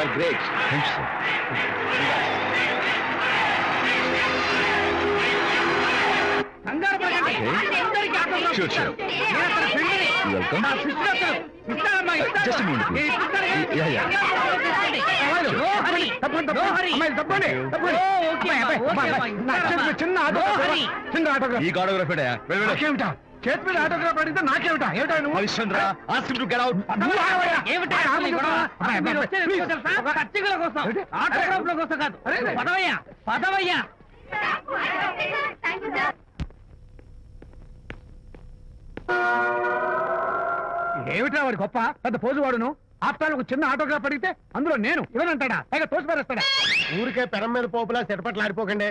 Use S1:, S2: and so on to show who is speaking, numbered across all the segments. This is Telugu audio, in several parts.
S1: Are great. Thanks sir.
S2: కంగారు పడకండి. అందరికీ ఆటోగ్రాఫ్
S1: Sure,
S2: ఇస్తాను.
S1: sure.
S2: నేను అతని ఫ్రెండ్ని.
S1: Welcome.
S2: నా సిస్టర్ అతను. ఇస్తానమ్మా, ఇస్తాను.
S1: Just a minute, please.
S2: నేను ఇస్తాను కదా.
S1: Yeah, yeah.
S2: అమ్మాయిలు, no Hari. No Hari. Oh, okay అమ్మా, ఓకే అమ్మా, ఇస్తానమ్మా.
S3: చిన్న
S2: నో హరి.
S3: చిన్న ఆటోగ్రాఫ్
S1: ఈ ఆటోగ్రాఫ్
S3: నాకేమిటా చేతి మీద ఆటోగ్రాఫ్ అడిగితే నాకేమిటా ఏమిటా నువ్వు
S1: Harishchandra ask him to get out.
S2: ఏమిటి అసలు ఈ గొడవ? మీరు వచ్చేది ఎందుకో తెలుసా? పచ్చికల కోసం,
S3: ఏంటి?
S2: ఆటోగ్రాఫ్ల కోసం కాదు.
S3: అరే, అరే.
S2: పదవయ్యా, పదవయ్యా.
S3: ఏమిటా వాడి గొప్ప పెద్ద పోజు వాడును ఆఫ్టర్ ఒక చిన్న ఆటోగ్రాఫ్ అడిగితే అందులో నేను ఇవ్వనంటాడా పైగా తోసి పారేస్తాడా ఊరికే పెరం మీద పోపులా చెటపట్లు ఆడిపోకండి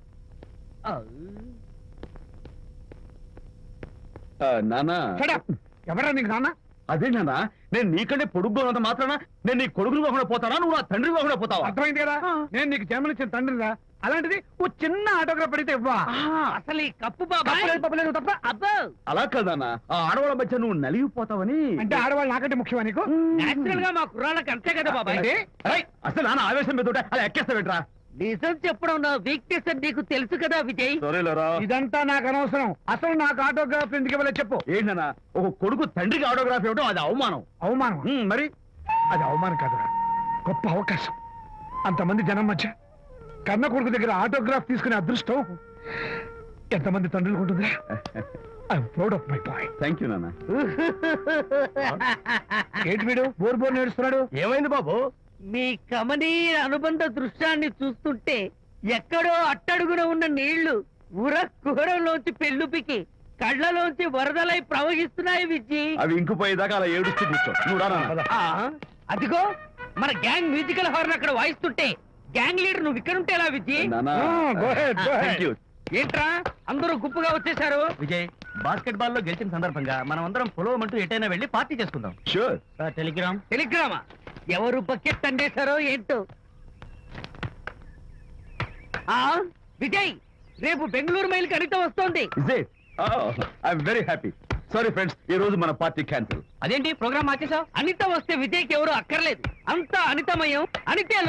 S1: నానా
S3: ఎవరా నీకు నాన్న
S1: అదే నానా, నేను నీకంటే పొడుగ్గా ఉన్నంత మాత్రాన నేను నీ కొడుకుని కాకుండా పోతానా, నువ్వు నా తండ్రి కాకుండా పోతావా?
S3: అర్థమైంది కదా నేను నీకు జన్మనిచ్చిన తండ్రిరా అలాంటిది ఓ చిన్న ఆటోగ్రాఫ్ అడిగితే ఇవ్వా
S2: అసలు ఈ కప్పు బాబాయ్
S3: తప్పలేదు, తప్పలేదు, తప్ప
S2: అబ్బో
S1: అలా కాదన్నా, ఆ ఆడవాళ్ళ మధ్య నువ్వు నలిగిపోతావని.
S3: అంటే ఆడవాళ్ళు నాకంటే ముఖ్యమా నీకు
S2: నేచురల్ గా మా కుర్రాళ్ళకి అంతే కదా బాబాయ్.
S3: ఏంటి?
S1: అరే, అసలు నాన్న ఆవేశం మీద ఉంటే అలా ఎక్కేస్తావేంట్రా?
S2: నిజం చెప్పడం నా వీక్నెస్ అని నీకు తెలుసు కదా విజయ్.
S1: సరేలేరా.
S3: ఇదంతా నాకు అనవసరం అసలు నాకు ఆటోగ్రాఫ్ ఎందుకు ఇవ్వలేదు చెప్పు
S1: ఏంటన్నా, ఒక కొడుకు తండ్రికి ఆటోగ్రాఫ్ ఇవ్వడం అది అవమానం.
S3: అవమానం
S1: మరి
S3: అది అవమానం కాదురా గొప్ప అవకాశం అంతమంది జనం మధ్య కన్న కొడుకు దగ్గర ఆటోగ్రాఫ్ తీసుకునే అదృష్టం ఎంతమంది తండ్రులకు ఉంటుందా I'm proud of my boy
S1: thank you నాన్న.
S3: ఏంటి వీడు బోర్ బోర్ నేడుస్తున్నాడు ఏమైంది బాబు
S2: మీ కమనీయ అనుబంధ దృశ్యాన్ని చూస్తుంటే ఎక్కడో అట్టడుగున ఉన్న నీళ్లు ఉర కుహరంలోంచి పెళ్ళుపికి కళ్ళలోంచి వరదలై ప్రవహిస్తున్నాయి విజ్జి.
S1: అవి ఇంకుపోయేదాకా అలా ఏడుస్తూ కూర్చో. నువ్వు రా నాన్న.
S2: అదిగో మన గ్యాంగ్ మ్యూజికల్ హార్న్ అక్కడ వాయిస్తుంటే గ్యాంగ్ లీడర్ నువ్వు ఇక్కడ ఉంటే ఎలా విజ్జి?
S1: నాన్న.
S3: go ahead, go ahead.
S1: Thank you.
S2: ఏంట్రా అందరూ గుంపుగా వచ్చేసారు?
S4: విజయ్, బాస్కెట్ బాల్ లో గెలిచిన సందర్భంగా మనం అందరం పొలవమంటూ ఎటైనా వెళ్ళి పార్టీ చేసుకుందాం.
S1: Sure.
S4: టెలిగ్రామ్.
S2: టెలిగ్రామా? ఎవరు బకెట్ అండేశారో ఏంటో. విజయ్, రేపు బెంగళూరు మైల్ అనిత వస్తోంది.
S1: Is it? Oh, I'm very happy. Sorry friends, ఈ రోజు మన పార్టీ క్యాన్సిల్.
S4: అదేంటి ప్రోగ్రామ్ మార్చేసావు?
S2: అనిత వస్తే విజయ్కి ఎవరు అక్కర్లేదు. అంతా అనితమయం. అనితే